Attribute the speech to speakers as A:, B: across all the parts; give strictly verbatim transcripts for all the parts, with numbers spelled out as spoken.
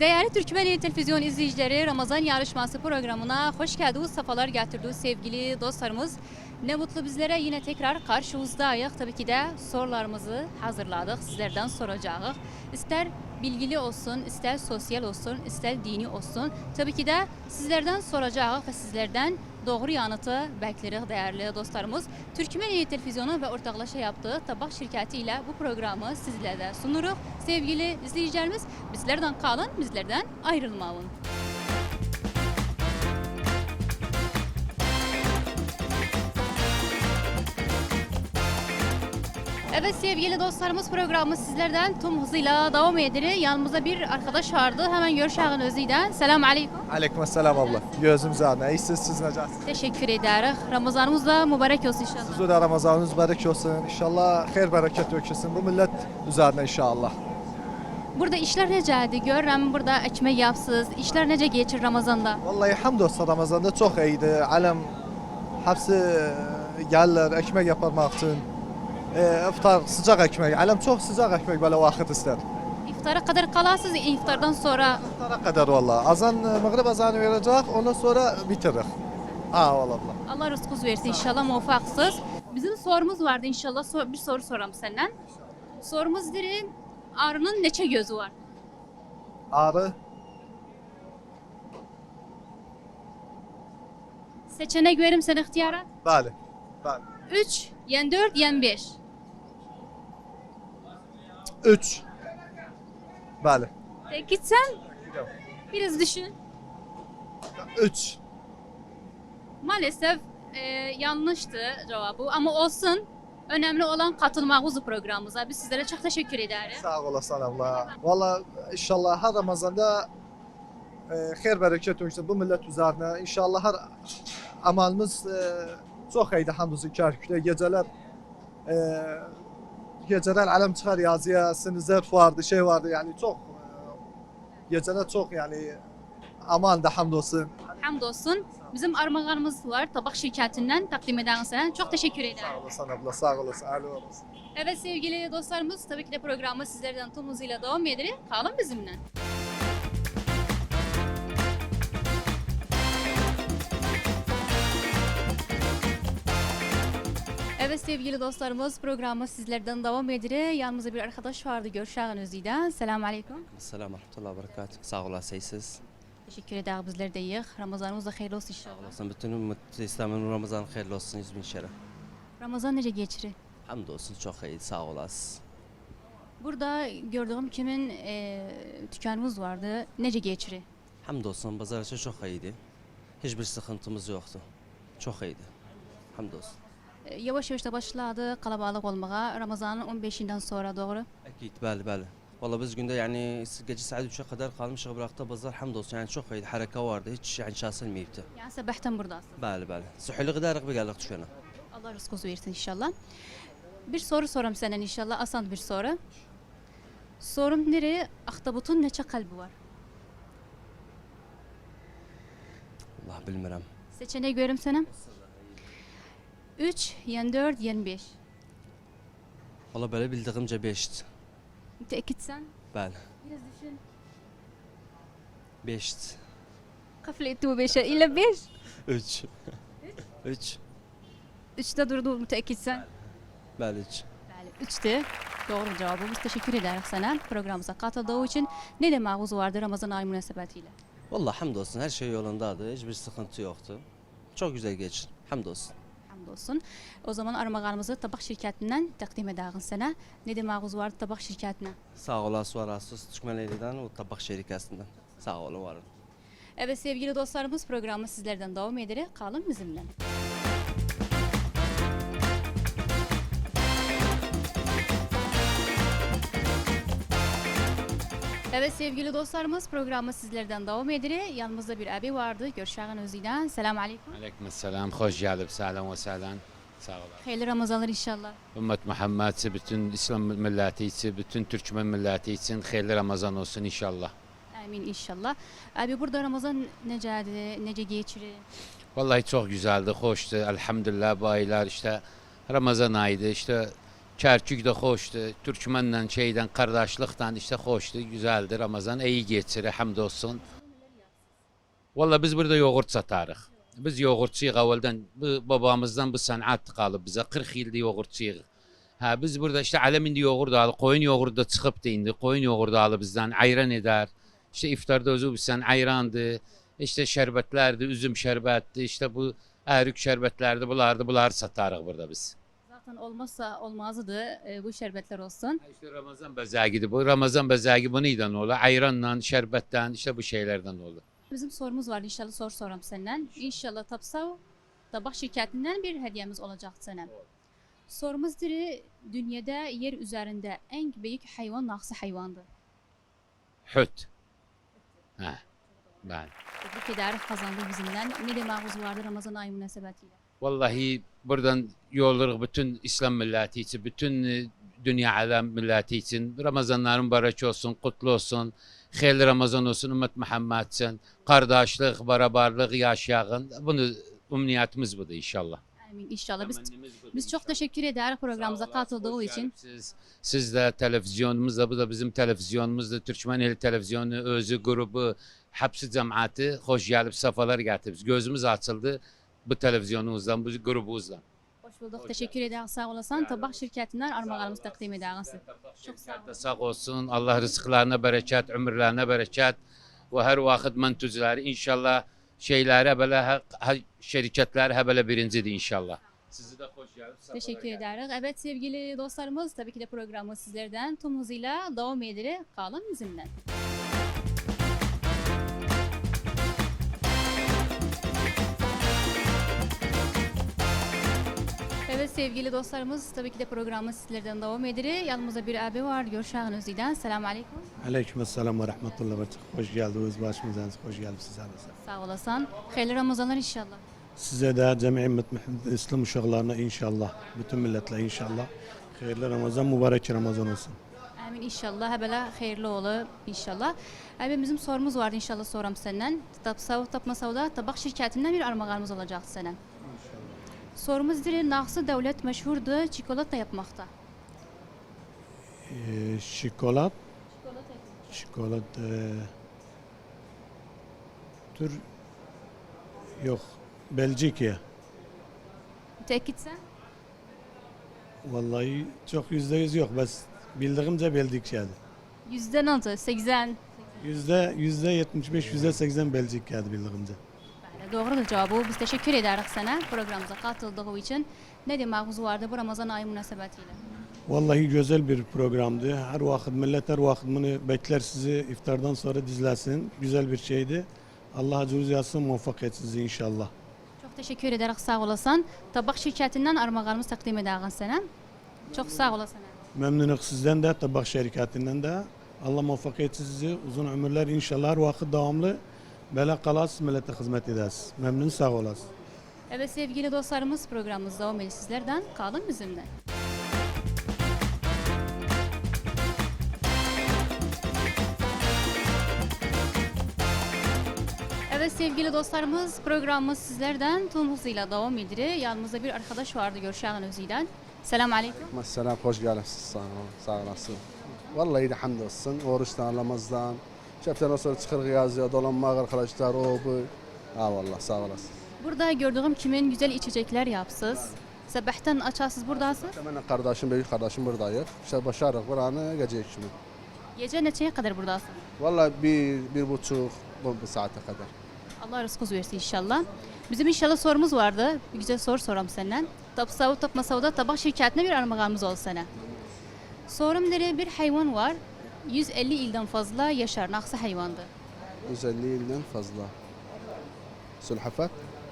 A: Değerli Türkmenli Televizyon izleyicileri, Ramazan yarışması programına hoş geldiniz, sefalar getirdiniz sevgili dostlarımız. Ne mutlu bizlere yine tekrar karşınızdayız. Tabii ki de sorularımızı hazırladık, sizlerden soracağız. İster bilgili olsun, ister sosyal olsun, ister dini olsun. Tabii ki de sizlerden soracağız ve sizlerden doğru yanıtı bekleriz değerli dostlarımız. Türkmenli Televizyonu ve ortaklaşa yaptığı tabak şirketi ile bu programı sizlere de sunuruz. Sevgili izleyicilerimiz, bizlerden kalın, bizlerden ayrılmayın. Evet sevgili dostlarımız, programı sizlerden tüm hızıyla devam ediyor. Yanımızda bir arkadaş vardı. Hemen görüşelim özüyle. Selamun aleyküm.
B: Aleyküm selam abla. Gözümüz ağrına. İyisiniz, siz necəsiniz?
A: Teşekkür ederiz. Ramazanımız da mübarek olsun inşallah.
B: Sizin de Ramazanınız mübarek olsun. İnşallah hayır bereket dökülsün bu millet üzerine inşallah.
A: Burada işler necədir? Görürəm burada ekmek yapsız. İşler nece geçir Ramazanda?
B: Vallahi hamdolsun Ramazan'da çok iyiydi. Alem hepsi gelirler ekmek yaparmak için. E, iftar sıcak ekmek. Alem çok sıcak ekmek böyle vakit ister.
A: İftara kadar kalasız, iftardan sonra.
B: İftara kadar vallahi. Azan, mağrib azanı verecek, ondan sonra bitirir. Ha vallahi.
A: Allah rızkınız versin inşallah, muvaffaksız. Bizim sorumuz vardı inşallah. Sor- bir soru soram senden. Sorumuz diri, arının neçe gözü var?
B: Ağrı,
A: Seçenek verim sen ihtiyara.
B: bəli. Bəli.
A: üç, yen dört, yen beş.
B: Üç. Bəli.
A: Tek gitsen biraz düşün.
B: Üç.
A: Maalesef e, yanlıştı cevabı ama olsun. Önemli olan katılmağınız programımıza. Biz sizlere çok teşekkür ederiz.
B: Sağ olasın abla. Valla inşallah her Ramazan'da e, hayır bereket olsun bu millet üzerine. İnşallah her amalımız e, çok iyiydi hamdolsun kârküle. Geceler e, geceler alem çıkar yazıya, sinizler vardı, şey vardı yani çok e, geceler çok yani aman da hamdolsun.
A: Hamdolsun. Bizim armağanımız var. Tabak şirketinden takdim eden sana. Çok teşekkür ederim.
B: Sağ olasın abla, sağ olasın. Alo olasın.
A: Evet sevgili dostlarımız, tabii ki de programı sizlerden tüm hızıyla devam ediyor. Kalın bizimle. Evet sevgili dostlarımız, programı sizlerden devam ediyor. Yanımızda bir arkadaş vardı, görüşelim özüyle. Selamun aleyküm.
C: Selamun Rahmetullah Berekatuhu. Sağ olasınız.
A: Teşekkür ederiz, bizler de iyi. Ramazanımız da hayırlı olsun inşallah.
C: Olasın. Bütün ümmet İslam'ın Ramazan hayırlı olsun. Yüz bin şeref.
A: Ramazan nece geçirir?
C: Hamdolsun çok iyi. Sağ olasın.
A: Burada gördüğüm kimin e, dükkanımız vardı. Nece geçirir?
C: Hamdolsun. Pazarcı çok iyiydi. Hiçbir sıkıntımız yoktu. Çok iyiydi. Hamdolsun.
A: E, yavaş yavaş da başladı kalabalık olmaya. Ramazanın on beşinden sonra doğru.
C: Akit. Bəli bəli. Valla biz günde yani gece saat üçe kadar kalmışız bıraktı pazar hamdolsun yani çok iyiydi. Hareket vardı. Hiç yani şaşılmayıptı.
A: Yani sabahtan buradasın.
C: Bəli bəli. Suhuli giderek bir geldik düşene.
A: Allah rızkınızı versin inşallah. Bir soru soram senden inşallah. Asan bir soru. Sorum nereye? Ahtapotun neçe kalbi var?
C: Allah bilmirəm.
A: Seçeneği görüm sana. üç, yen dört, yen beş.
C: Valla böyle bildiğimce beşti.
A: Müteakitsen.
C: Bəli.
A: Biraz düşün.
C: Beşti.
A: Kafile etti bu beşe. İlla beş.
C: Üç. Üç.
A: Üçte durdu müteakitsen.
C: Bəli üç.
A: Yani üçte doğru cevabımız. Teşekkür ederiz sana programımıza katıldığı için. Ne demağınız vardı Ramazan ayı münasebetiyle?
C: Vallahi hamdolsun her şey yolundadır. Hiçbir sıkıntı yoktu. Çok güzel geçti. Hamdolsun.
A: Hamdolsun. O zaman armağanımızı tabak şirketinden takdim ederiz sana. Ne demağınız vardı tabak şirketine?
C: Sağ olasın, var olasın. Türkmenleri'den o tabak şirketinden. Sağ olun, var olun.
A: Evet sevgili dostlarımız, programı sizlerden devam ederek kalın bizimle. Evet sevgili dostlarımız, programı sizlerden devam ediyor. Yanımızda bir abi vardı. Görüşelim özüyle. Selamun aleyküm.
D: عليكم السلام خوش جالب سهلا وسهلا sağ olun.
A: Hayırlı Ramazanlar inşallah.
D: Ümmet Muhammed'si bütün İslam milleti için, bütün Türkmen milleti için hayırlı Ramazan olsun inşallah.
A: Amin inşallah. Abi burada Ramazan necədir, nece geçirir?
D: Vallahi çok güzeldi, hoştu. Elhamdülillah bu aylar işte Ramazan ayıydı işte Kerkük de hoşdur. Türkmenle şeyden, kardeşlikten işte hoştur, güzeldir. Ramazan iyi geçir, hamdolsun. Valla biz burada yoğurt satarıq. Biz yoğurtçuyuq evvelden. Bu, babamızdan bu sanat qalıb bize. kırk yıldır yoğurtçuyuq. Ha, biz burada işte aleminde yoğurt alıb, koyun yoğurdu da çıxıbdı indi. Koyun yoğurdu alıb bizden, ayran eder. İşte iftarda özü bizden ayrandı. İşte şerbetlerdi, üzüm şerbetdi. İşte bu erik şerbetlerdi, bulardı, bunları satarıq burada biz.
A: Zaten olmazsa olmazdı e, bu şerbetler olsun.
D: Ha, İşte Ramazan bezeğiydi bu. Ramazan bezeği bu neyden olur? Ayranla, şerbetten, işte bu şeylerden olur.
A: Bizim sorumuz var inşallah sor soram senden. İnşallah Tapsav tabak şirketinden bir hediyemiz olacak sana. Sorumuz diri dünyada yer üzerinde en büyük hayvan naksı hayvandı.
D: Hüt. Ha. Ben.
A: Tebrik ederiz kazandı bizimden. Ne demağımız vardı Ramazan ayı münasebetiyle.
D: Vallahi buradan yollarıq bütün İslam milleti için, bütün e, dünya alem milleti için. Ramazanların barış olsun, kutlu olsun. Hayırlı Ramazan olsun, ümmet Muhammed için. Kardeşlik, beraberlik yaşayın. Bunu umniyetimiz budur inşallah.
A: Amin inşallah. Biz,
D: Temennimiz budur
A: biz çok
D: inşallah.
A: teşekkür ederiz programımıza
D: Sağ olasın,
A: katıldığı
D: hoş
A: için.
D: gelipsiz. Siz de televizyonumuzda, bu da bizim televizyonumuzda. Türkmen Eli Televizyonu, özü, grubu, hepsi cemaati hoş gelip safalar getirdiniz. Gözümüz açıldı bu televizyonumuzdan, bu grubumuzdan.
A: Hoş bulduk.
D: Hoş
A: teşekkür ederiz. Sağ olasın. Tabak şirketinden armağanımızı takdim ederiz. Çok sağ olun.
D: Sağ olsun. Allah rızıklarına bereket, ömürlerine bereket ve her vakit mentüzleri inşallah şeylere böyle ha- ha- şirketler böyle birincidir inşallah. Sizi de hoş geldiniz.
A: Teşekkür ederiz. Evet sevgili dostlarımız tabii ki de programı sizlerden tüm hızıyla devam edilir. Kalın bizimle. Evet sevgili dostlarımız tabii ki de programı sizlerden devam edilir. Yanımızda bir abi var. Görüşen Özü'den. Selamun Aleyküm.
E: Aleykümselam ve rahmetullah ve berekatuhu. Hoş geldiniz başımızdan. Hoş geldiniz size.
A: Sağ olasın. Hayırlı Ramazanlar inşallah.
E: Size de cemi ümmet İslam uşaklarına inşallah, bütün milletle inşallah hayırlı Ramazan, mübarek Ramazan olsun.
A: Amin inşallah. Böyle hayırlı olur inşallah. Abi bizim sorumuz vardı inşallah soram senden. Tapsav tapmasavda tabak şirketinden bir armağanımız olacak sana. Sorumuz dir Naksı devlet meşhurdu çikolata yapmakta.
E: Ee, şokolat, şokolat e, tür yok. Belçika.
A: Tekitsen?
E: Vallahi çok yüzde yüz yok. Bas bildiğimce bildik şeydi.
A: Yüzden altı, seksen.
E: Yüzde yüzde yetmiş beş, yüzde seksen Belçika'ydı bildiğimce.
A: Doğrudur cevabı. Biz teşekkür ederiz sana programımıza katıldığı için. Ne demağımız vardı bu Ramazan ayı münasebetiyle?
E: Vallahi güzel bir programdı. Her vakit millet her vakit bunu bekler sizi iftardan sonra dizlesin. Güzel bir şeydi. Allah acınız yazsın, muvaffak etsin sizi inşallah.
A: Çok teşekkür ederiz sağ olasın. Tabak şirketinden armağanımız takdim ederiz sana. Çok sağ olasın.
E: Memnunuk sizden de, tabak şirketinden de. Allah muvaffak etsin sizi. Uzun ömürler inşallah her vakit devamlı. Böyle kalasız millete hizmet ederiz. Memnun sağ olasın.
A: Evet sevgili dostlarımız programımız devam ediyor sizlerden. Kalın bizimle. Evet sevgili dostlarımız programımız sizlerden tüm hızıyla devam ediyor. Yanımızda bir arkadaş vardı Görşen Özü'den. Selamun Aleyküm.
F: Selam, hoş geldiniz. Sağ olun, sağ olasın. Vallahi de hamdolsun. Oruçtan, namazdan. Şeften sonra çıkır yazıyor, dolanmak arkadaşlar, o bu. Ha vallahi sağ olasın.
A: Burada gördüğüm kimin güzel içecekler yapsız. Sabahtan açarsız buradasınız.
F: Benim kardeşim, büyük kardeşim buradayız. İşte başarık buranı gece şimdi.
A: Gece neçeye kadar buradasınız?
F: Vallahi bir, bir buçuk, bu, bu saate kadar.
A: Allah rızkınız versin inşallah. Bizim inşallah sorumuz vardı. Bir güzel soru soram senden. Tapsavu tapmasavda tabak şirketine bir armağanımız olsun sana. Sorum nere bir hayvan var. yüz elli ilden fazla yaşar. Naksı hayvandı.
F: yüz elli yıldan fazla. Sülhafat?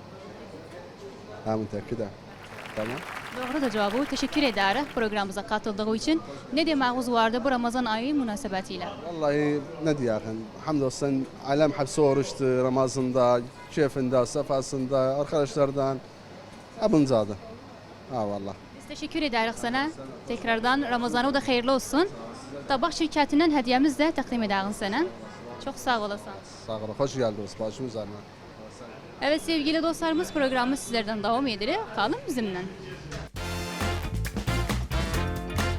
F: Ha mütekkide. Tamam.
A: Doğru da cevabı. Teşekkür ederiz programımıza katıldığı için. Ne demağınız vardı bu Ramazan ayı münasebetiyle?
F: Vallahi ne diyeyim, hamdolsun alem hepsi oruçtu Ramazan'da, keyfinde, sefasında, arkadaşlardan, hepinizade. Ha vallahi.
A: Biz teşekkür ederiz sana. Tekrardan Ramazan'ı da hayırlı olsun. Tabak şirketinden hediyemiz de takdim ederiz sana. Çok sağ olasın.
F: Sağ olun, hoş geldiniz başım üzerine.
A: Evet sevgili dostlarımız programı sizlerden devam ediyor. Kalın bizimle.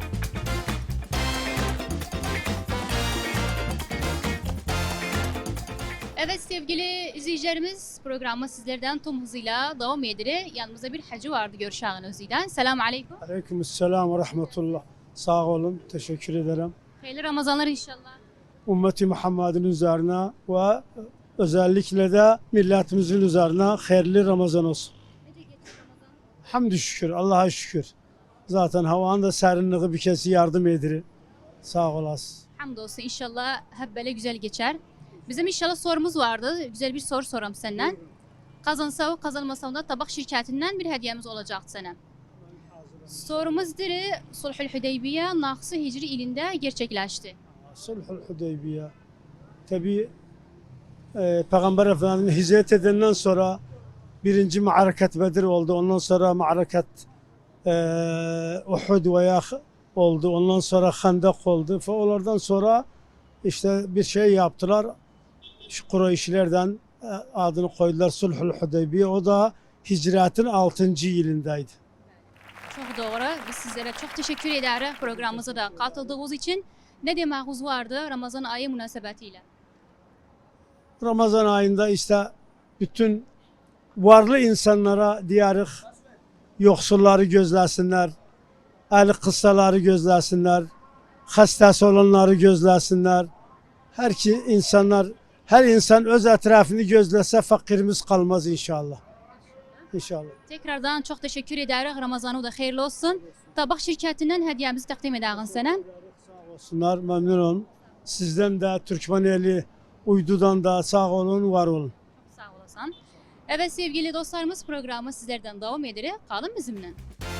A: Evet sevgili izleyicilerimiz programı sizlerden tüm hızıyla devam ediyor. Yanımızda bir hacı vardı görüşen özüden. Selamun aleyküm.
G: Aleykümselam ve rahmetullah. Sağ olun, teşekkür ederim.
A: Hayırlı Ramazanlar inşallah.
G: Ümmeti Muhammed'in üzerine ve özellikle de milletimizin üzerine hayırlı Ramazan olsun. Hamdü şükür, Allah'a şükür. Zaten havanın da serinliği bir kez yardım edir. Sağ olasın.
A: Hamdolsun inşallah hep böyle güzel geçer. Bizim inşallah sorumuz vardı. Güzel bir soru soram senden. Kazansa o kazanmasa da tabak şirketinden bir hediyemiz olacak sana. Sorumuz diri Sulhul Hudeybiye Naksı Hicri ilinde gerçekleşti.
G: Sulhul Hudeybiye. Tabi e, Peygamber Efendimiz'in hicret edenden sonra birinci Ma'araket Bedir oldu. Ondan sonra Ma'araket e, Uhud veya oldu. Ondan sonra Hendek oldu. Ve onlardan sonra işte bir şey yaptılar. Şu Kureyşlerden e, adını koydular Sulhul Hudeybiye. O da hicretin altıncı yılındaydı.
A: Çok doğru. Biz sizlere çok teşekkür ederiz programımıza da katıldığınız için. Ne dememiz vardı Ramazan ayı münasebetiyle?
G: Ramazan ayında işte bütün varlı insanlara diyarıq yoksulları gözləsinlər, əli qıssaları gözləsinlər, xəstəsi olanları gözləsinlər. Hər ki insanlar, hər insan öz ətrafını gözləsə fakirimiz qalmaz inşallah. İnşallah.
A: Tekrardan çok teşekkür ederiz. Ramazanı da hayırlı olsun. Tabak şirketinden hediyemizi takdim ederiz sana.
G: Sağ olsunlar, memnun olun. Sizden de Türkmeneli uydudan da sağ olun, var olun.
A: Sağ olasın. Evet sevgili dostlarımız programı sizlerden devam ediyor. Kalın bizimle.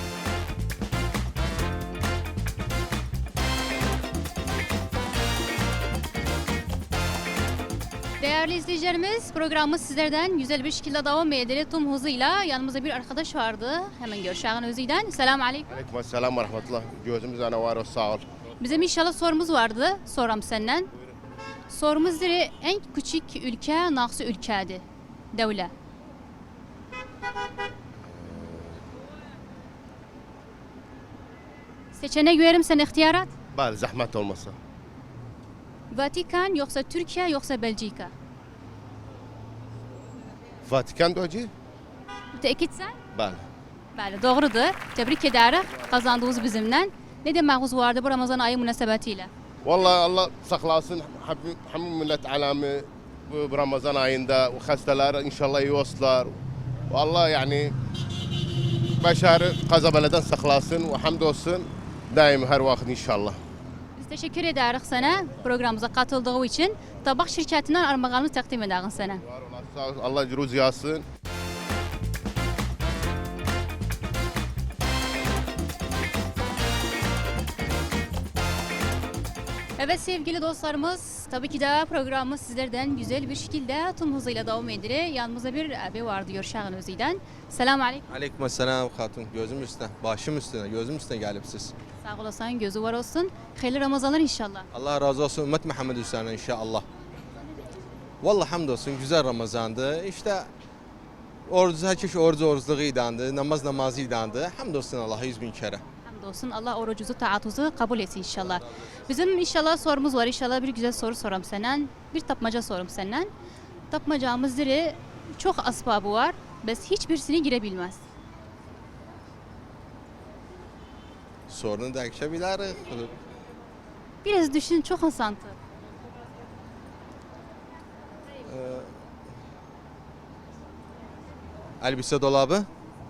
A: Değerli izleyicilerimiz programımız sizlerden güzel bir şekilde devam ediyor. Tüm hızıyla yanımızda bir arkadaş vardı. Hemen görüşen özüden. Selamun aleyküm.
H: Aleykümselam ve rahmetullah. Gözümüz ana var o sağ ol.
A: Bizim inşallah sorumuz vardı. Soram senden. Sorumuz diri en küçük ülke nasıl ülkedir? Devlet. Seçenek verim sen ihtiyarat.
H: Bari zahmet olmasa.
A: Vatikan yoksa Türkiye yoksa Belçika.
H: Vatikan doji?
A: Müteekitsen?
H: Bari.
A: Bəli, doğrudur. Tebrik ederiz. Kazandığınız bizimle. Ne dememiz vardı bu Ramazan ayı münasebetiyle?
H: Vallahi Allah saklasın hem millet alamı bu Ramazan ayında o hastalar inşallah iyi olsunlar. Vallahi yani başarı kazabeleden saklasın ve hamdolsun daim her vakit inşallah.
A: Biz teşekkür ederiz sana programımıza katıldığı için. Tabak şirketinden armağanını takdim ederiz sana.
H: Var olasın, sağ ol. Allah cüruz yazsın.
A: Evet sevgili dostlarımız, tabii ki de programımız sizlerden güzel bir şekilde tüm hızıyla devam ediyor. Yanımızda bir abi vardı Görşağın Özü'den. Selamun aleyküm.
I: Aleykümselam hatun. Gözüm üstüne, başım üstüne, gözüm üstüne gelip siz.
A: Sağ olasın, gözü var olsun. Hayırlı Ramazanlar inşallah.
I: Allah razı olsun ümmet Muhammed üzerine inşallah. Vallahi hamdolsun güzel Ramazandı. İşte oruç, herkes oruç oruçluğuydandı, namaz namazıydandı. Hamdolsun Allah'a yüz bin kere.
A: Hamdolsun Allah orucunuzu, taatunuzu kabul etsin inşallah. Bizim inşallah sorumuz var. İnşallah bir güzel soru soram senden. Bir tapmaca sorum senden. Tapmacamız diri çok asbabı var. Biz hiçbirisini girebilmez.
I: Sorunu da akşabiliriz.
A: Biraz düşün, çok asantı.
I: Elbise dolabı.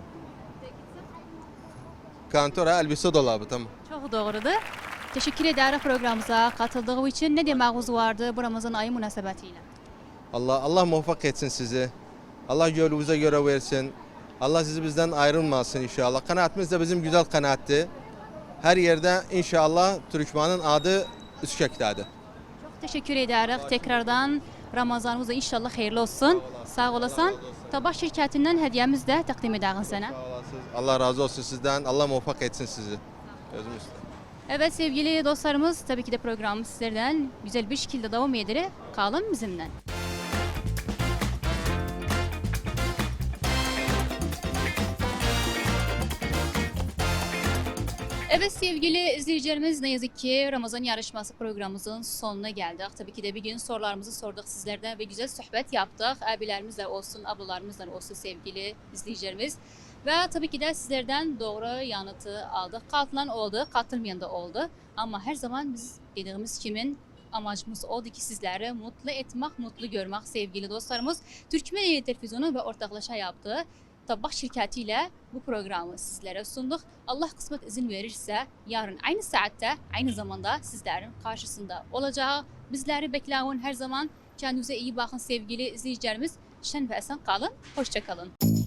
I: Kantora elbise dolabı tamam.
A: Çok doğrudur. Teşekkür ederim programımıza katıldığı için. Ne dememiz vardı bu Ramazan ayı münasebetiyle?
I: Allah Allah muvaffak etsin sizi. Allah yolunuza göre versin. Allah sizi bizden ayrılmasın inşallah. Kanaatimiz de bizim güzel kanaatti. Her yerde inşallah Türkmen'in adı üskektadır.
A: Çok teşekkür ederim. Tekrardan Ramazanımız da inşallah hayırlı olsun. Sağ olasın. Tabak şirketinden hediyemiz de takdim ederim sana.
I: Allah razı olsun sizden. Allah muvaffak etsin sizi. Gözüm üstüne.
A: Evet sevgili dostlarımız, tabii ki de programımız sizlerden güzel bir şekilde devam ediyor. Kalın bizimle. Evet sevgili izleyicilerimiz, ne yazık ki Ramazan yarışması programımızın sonuna geldik. Tabii ki de bir gün sorularımızı sorduk sizlerden ve güzel sohbet yaptık. Abilerimizle olsun, ablalarımızla olsun sevgili izleyicilerimiz. Ve tabii ki de sizlerden doğru yanıtı aldık. Katılan oldu, katılmayan da oldu. Ama her zaman biz dediğimiz kimin amacımız oldu ki sizleri mutlu etmek, mutlu görmek sevgili dostlarımız. Türkmen Televizyonu ve ortaklaşa yaptığı Tabak şirketiyle bu programı sizlere sunduk. Allah kısmet izin verirse yarın aynı saatte, aynı zamanda sizlerin karşısında olacağı. Bizleri bekleyin her zaman. Kendinize iyi bakın sevgili izleyicilerimiz. Şen ve esen kalın. Hoşça kalın.